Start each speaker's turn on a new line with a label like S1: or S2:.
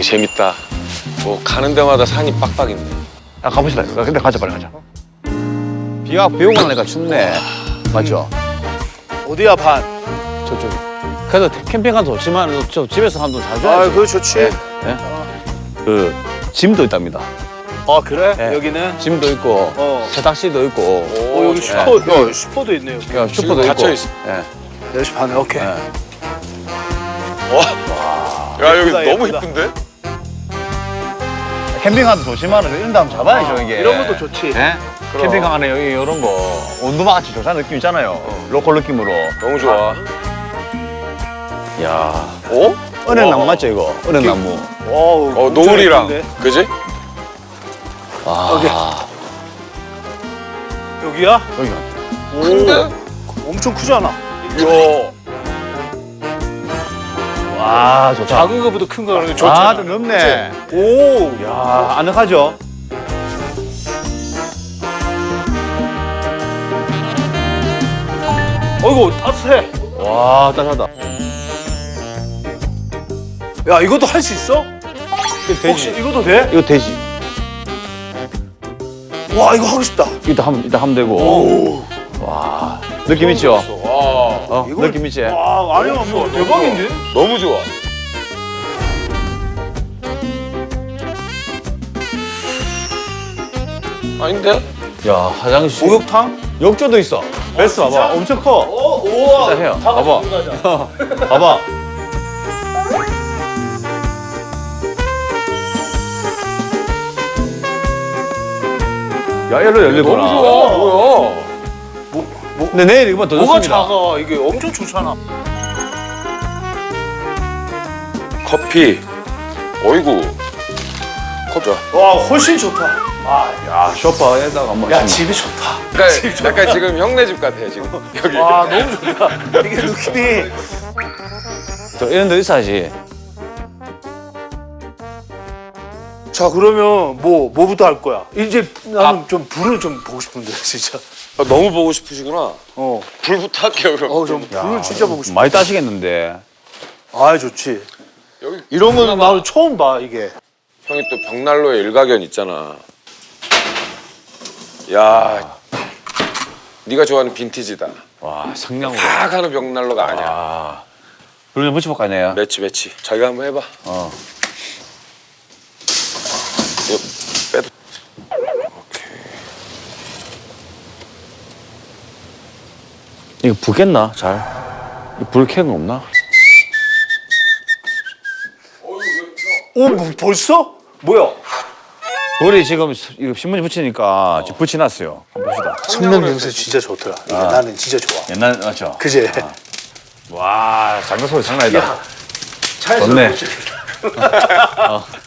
S1: 재밌다. 뭐 가는 데마다 산이 빡빡 있네.
S2: 아 가봅시다. 근데 가자 빨리 가자. 비 오고 나니까 춥네. 맞죠?
S3: 어디야 반?
S2: 저쪽. 그래도 캠핑 가도 좋지만 저 집에서 하면 잘
S3: 아
S2: 좋아야지.
S3: 그거 좋지.
S2: 예. 그 짐도 있답니다.
S3: 아 그래?
S2: 예.
S3: 여기는?
S2: 짐도 있고 세탁실도 있고.
S3: 오 여기 슈퍼, 야, 슈퍼도 있네요.
S2: 야, 슈퍼도 있고.
S1: 닫혀 있어.
S2: 예.
S3: 4시 반에 오케이.
S2: 예.
S1: 야 여기
S3: 예쁘다,
S1: 너무
S3: 예쁘다.
S1: 이쁜데?
S2: 캠핑 가도 좋지만 이런 데 한번 잡아야죠 이게.
S3: 이런 것도 좋지.
S2: 예?
S1: 그럼.
S2: 캠핑 가면 여기 이런 거 온도마 같이 좋다는 느낌 있잖아요. 로컬 느낌으로.
S1: 너무 좋아.
S2: 야.
S1: 어?
S2: 은행나무 맞죠 이거? 은행나무.
S3: 와우.
S1: 어
S3: 엄청
S1: 노을이랑
S3: 예쁜데?
S1: 그지?
S2: 아.
S3: 여기야?
S2: 여기
S3: 오.
S1: 근데?
S3: 엄청 크잖아.
S1: 이야.
S2: 와 좋다.
S3: 작은 거보다 큰 거는 좋잖아.
S2: 아, 좀 넓네.
S3: 오.
S2: 야, 아늑하죠?
S3: 어이구 따뜻해.
S2: 와, 따뜻하다.
S3: 야 이것도 할 수 있어? 혹시 이것도 돼?
S2: 이거 되지.
S3: 와 이거 하고 싶다.
S2: 이따 하면 되고.
S3: 오.
S2: 와, 느낌 있죠?
S1: 와
S3: 이걸-
S2: 느낌 있지?
S3: 와 아니야 뭐 대박인데?
S1: 너무 좋아. 아닌데?
S2: 야, 화장실.
S3: 목욕탕?
S2: 욕조도 있어. 베스트 봐봐. 엄청 커.
S3: 우와.
S2: 일단 해요.
S3: 다 같이
S2: 봐봐.
S3: 들어가자.
S2: 봐봐. 야, 얘로 열리구나.
S1: 너무 좋아. 뭐야?
S2: 근데 내일 이거보다 더
S3: 뭐가
S2: 좋습니다.
S3: 작아? 이게 엄청 좋잖아.
S1: 커피. 어이구. 커피.
S3: 와 훨씬 좋다.
S2: 야, 쇼파에다가 한번.
S3: 야 집이 좋다.
S1: 약간 지금 형네 집 같아 지금. 여기.
S3: 와 너무 좋다. 이게 느낌이.
S2: 저 이런 데 있어야지.
S3: 자 그러면 뭐부터 할 거야? 이제 나는 좀 불을 좀 보고 싶은데 진짜.
S1: 아, 너무 보고 싶으시구나.
S3: 어.
S1: 불부터 할게요 그럼.
S3: 좀 불을 진짜 보고 싶어.
S2: 많이 따시겠는데.
S3: 아 좋지.
S1: 여기
S3: 이런 거는 나는 처음 봐 이게.
S1: 형이 또 벽난로에 일가견 있잖아. 야, 네가 좋아하는 빈티지다.
S2: 와, 성냥으로.
S1: 다 가는 벽난로가 아니야.
S2: 아. 불 좀 붙여볼까, 내요?
S1: 매치. 자기가 한번 해봐.
S2: 어.
S1: 이거 빼도. 오케이.
S2: 이거 붙겠나, 잘? 불 켜는 거 없나?
S3: 오 뭐, 벌써? 뭐야?
S2: 불이 지금 이거 신문지 붙이니까 지금 붙여놨어요. 한번 봅시다.
S3: 천명 냄새 진짜 좋더라. 이게 나는 진짜 좋아.
S2: 옛날, 맞죠?
S3: 그지?
S2: 와, 장난 소리 장난 아니다.
S3: 차에서
S2: 좋네.
S3: 못 찍겠다.